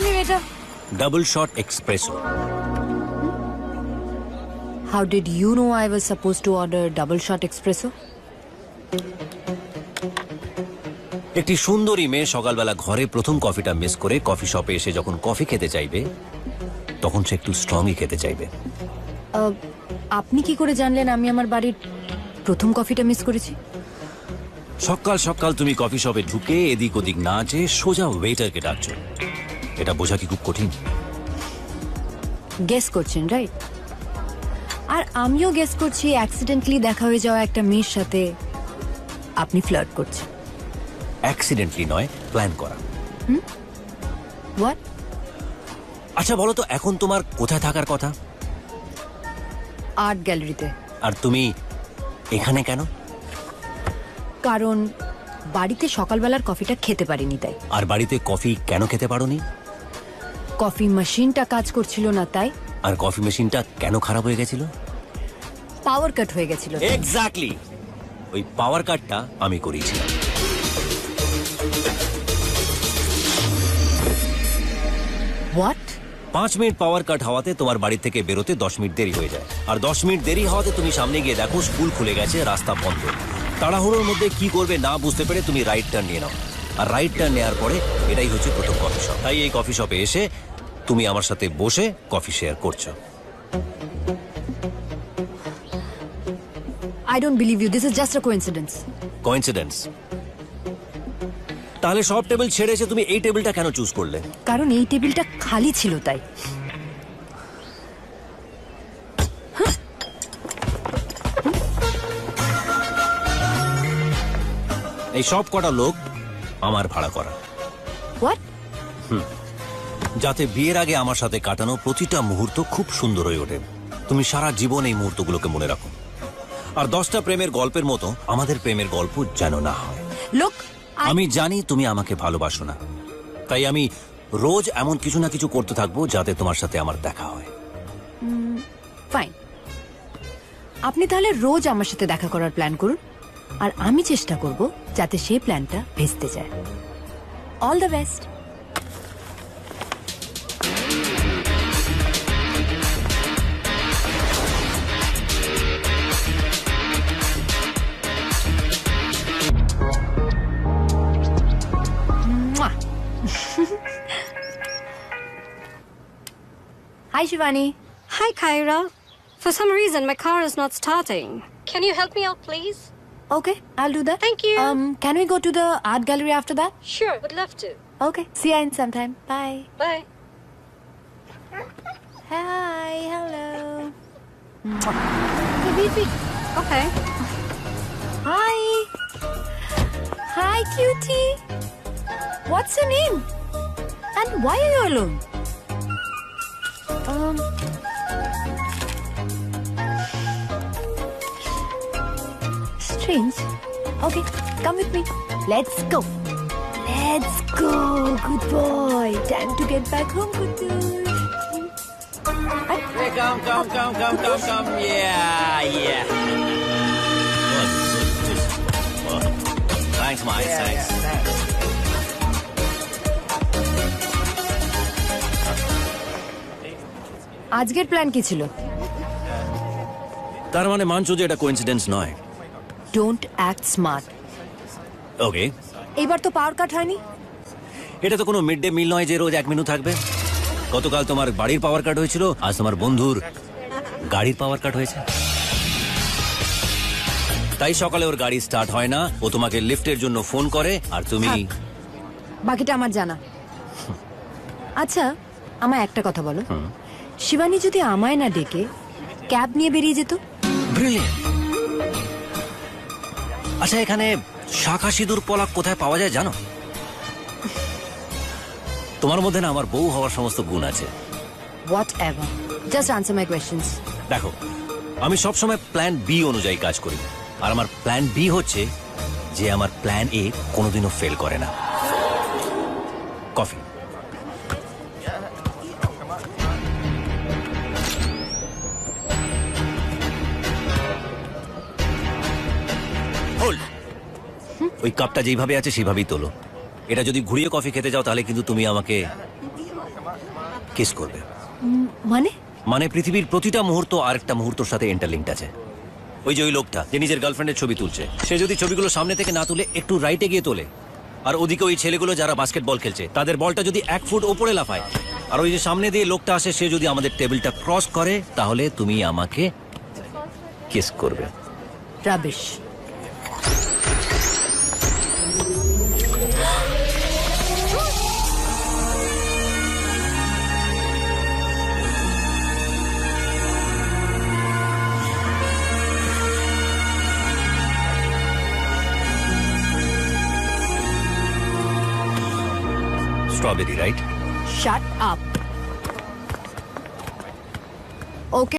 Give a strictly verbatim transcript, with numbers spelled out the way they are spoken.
me, waiter. Double shot espresso. How did you know I was supposed to order double shot espresso? একটি সুন্দরী মেয়ে সকালবেলা ঘরে প্রথম কফিটা মিস করে কফি শপে এসে যখন কফি খেতে চাইবে তখন সে একটু স্ট্রংই খেতে চাইবে। Uh, আপনি কি করে জানলেন আমি আমার বাড়ির প্রথম কফিটা মিস করেছি? সকাল সকাল তুমি কফি শপে ঢুকে এদিক ওদিক না যেয়ে সোজা ওয়েটারকে ডাকছো, এটা বোঝা কি খুব কঠিন? গেস করছেন, রাইট? আর আমিও গেস করছি অ্যাক্সিডেন্টলি দেখা হয়ে যাওয়া একটা মেয়ের সাথে আপনি ফ্লার্ট করছেন। অ্যাক্সিডেন্টলি নয়, প্ল্যান করা। হোয়াট? আচ্ছা বলো তো, এখন তোমার কোথায় থাকার কথা? আর্ট গ্যালারিতে। আর তুমি এখানে কেন? কারণ বাড়িতে সকালবেলার কফিটা খেতে পারিনি তাই। আর বাড়িতে কফি কেন খেতে পারোনি? কফি মেশিনটা কাজ করছিল না তাই। আর কফি মেশিনটা কেন খারাপ হয়ে গেছিল? পাওয়ার কাট হয়ে গেছিল। এক্স্যাক্টলি, ওই পাওয়ার কাটটা আমি করিয়েছিলাম। হোয়াট? পাঁচ মিনিট পাওয়ার কাট হওয়াতে তোমার বাড়ি থেকে বেরোতে দশ মিনিট দেরি হয়ে যায়, আর দশ মিনিট দেরি হওয়াতে তুমি সামনে গিয়ে দেখো স্কুল খুলে গেছে, রাস্তা বন্ধ। তাড়াহুড়োর মধ্যে কি করবে না বুঝতে পেরে তুমি রাইট টার্ন নিয়ে নাও, আর রাইট টার্ন নেওয়ার পরে এটাই হচ্ছে প্রথম কফি শপ। তাই এই কফি শপে এসে তুমি আমার সাথে বসে কফি শেয়ার করছো। I don't believe you. This is just a coincidence. Coincidence? তাহলে সব টেবিল ছেড়ে এসে তুমি এই টেবিলটা কেন চুজ করলে? কারণ এই টেবিলটা খালি ছিল তাই। এই সব কটা লোক আমার ভাড়া করা। হোয়াট? যাতে বিয়ের আগে আমার সাথে কাটানো প্রতিটা মুহূর্ত খুব সুন্দর হয়ে ওঠে, তুমি সারা জীবন এই মুহূর্তগুলোকে মনে রাখো। আর দশটা প্রেমের গল্পের মতো আমাদের প্রেমের গল্প যেন না হয়। লোক, আমি জানি তুমি আমাকে ভালোবাসো না, তাই আমি রোজ এমন কিছু না কিছু করতে থাকবো যাতে তোমার সাথে আমার দেখা হয়। ফাইন, আপনি তাহলে রোজ আমার সাথে দেখা করার প্ল্যান করুন, আর আমি চেষ্টা করব যাতে সেই প্ল্যানটা ভেস্তে যায়। All the best. Hi, Shivani. Hi, Kyra. For some reason, my car is not starting. Can you help me out, please? Okay, I'll do that. Thank you. Um, can we go to the art gallery after that? Sure, would love to. Okay, see you in some time. Bye. Bye. Hi, hello. Hey, wait, wait. Okay. Hi. Hi, cutie. What's your name? And why are you alone? Um. Strange. Okay, come with me. Let's go. Let's go. Good boy. Time to get back home, Kutu. Hey, come, come, come, come, come, come. Yeah, yeah. Good, good, good. Thanks, Mike. Thanks. আজকের plan কি ছিল? তার মানে মানছো যে এটা coincidence নয়? Don't act smart. ওকে, এবার তো পাওয়ার কাট হয়নি। এটা তো কোনো মিড ডে মিল নয় যে রোজ এক মেনু থাকবে। গতকাল তোমার বাড়ির পাওয়ার কাট হয়েছিল, আজ তোমার বন্ধুর গাড়ির পাওয়ার কাট হয়েছে। তাই সকালে ওর গাড়ি স্টার্ট হয় না, ও তোমাকে লিফটের জন্য ফোন করে, আর তুমি বাকিটা আমার জানা। আচ্ছা, আমায় একটা কথা বলো, শিবানী যদি আমায় না ডেকে ক্যাব নিয়ে বেরিয়ে যেত? ব্রিলিয়েন্ট। আচ্ছা, এখানে শাখা সিঁদুর পলাক কোথায় পাওয়া যায় জানো? তোমার মধ্যে না আমার বউ হওয়ার সমস্ত গুণ আছে। Whatever, just answer my questions. দেখো, আমি সবসময় প্ল্যান বি অনুযায়ী কাজ করি, আর আমার প্ল্যান বি হচ্ছে যে আমার প্ল্যান এ কোনোদিনও ফেল করে না। কফি। ওই কাপটা যেইভাবে আছে সেইভাবেই তোলো। এটা যদি ঘুরিয়ে কফি খেতে যাও তাহলে কিন্তু তুমি আমাকে কিস করবে। মানে মানে পৃথিবীর প্রতিটা মুহূর্ত আরেকটা মুহূর্তের সাথে ইন্টারলিঙ্কড আছে। ওই যে ওই লোকটা যে নিজের গার্লফ্রেন্ডের ছবি তুলছে, সে যদি ছবিগুলো সামনে থেকে না তুলে একটু রাইটে গিয়ে তোলে, আর ওদিকে ওই ছেলেগুলো যারা বাস্কেটবল খেলছে তাদের বলটা যদি এক ফুট ওপরে লাফায়, আর ওই যে সামনে দিয়ে লোকটা আসে সে যদি আমাদের টেবিলটা ক্রস করে, তাহলে তুমি আমাকে কিস করবে। Rubbish. Strawberry, right? Shut up. ওকে